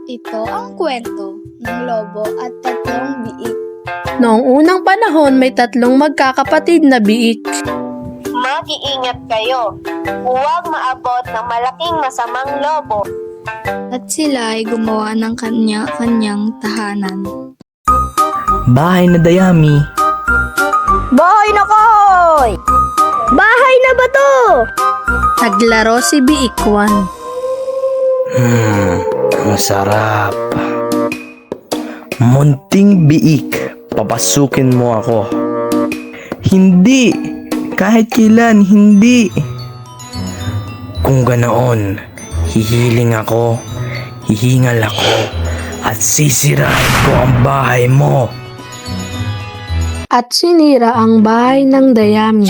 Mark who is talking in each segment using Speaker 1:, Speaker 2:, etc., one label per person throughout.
Speaker 1: Ito ang kwento ng lobo at tatlong biik.
Speaker 2: Noong unang panahon, may tatlong magkakapatid na biik.
Speaker 3: Mag-iingat kayo. Huwag maabot ng malaking masamang lobo.
Speaker 1: At sila ay gumawa ng kanya-kanyang tahanan.
Speaker 4: Bahay na dayami.
Speaker 3: Bahay na kahoy! Bahay na bato!
Speaker 2: Naglaro si Biik 1.
Speaker 4: Masarap. Munting biik, papasukin mo ako. Hindi! Kahit kailan, hindi! Kung ganoon, hihiling ako, hihingal ako, at sisirain ko ang bahay mo.
Speaker 2: At sinira ang bahay ng dayami.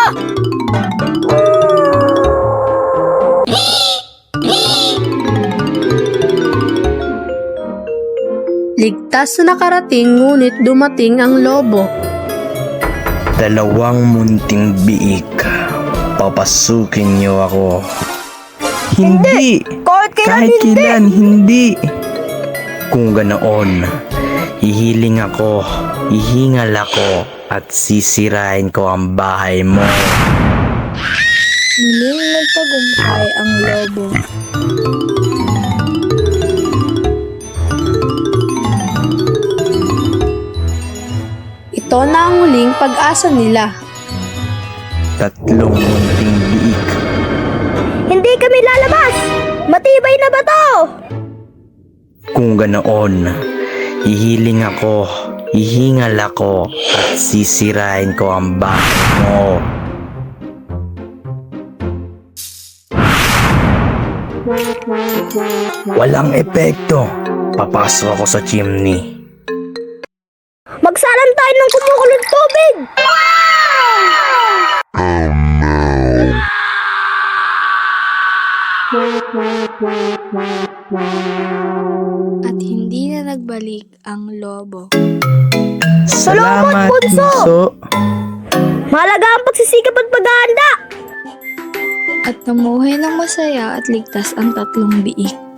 Speaker 2: Ligtas na nakarating ngunit dumating ang lobo.
Speaker 4: Dalawang munting biik, papasukin niyo ako. Hindi! Kahit kailan, hindi! Kung ganoon, hihiling ako, hihingal ako, at sisirain ko ang bahay mo.
Speaker 1: Muling nagtagumpay ang lobo.
Speaker 2: Ito na ang huling pag-asa nila.
Speaker 4: Tatlong munting biik.
Speaker 3: Hindi kami lalabas! Matibay na bato!
Speaker 4: Kung ganoon, hihiling ako, hihingal ako, at sisirain ko ang bahay mo. Walang epekto. Papasok ako sa chimney.
Speaker 3: Magsalan tayo ng kumukulong tubig!
Speaker 1: At hindi na nagbalik ang lobo.
Speaker 4: Salamat,
Speaker 3: bunso!
Speaker 4: bunso.
Speaker 3: Mahalaga ang pagsisikap at paghahanda!
Speaker 1: At namuhay ng masaya at ligtas ang tatlong biik.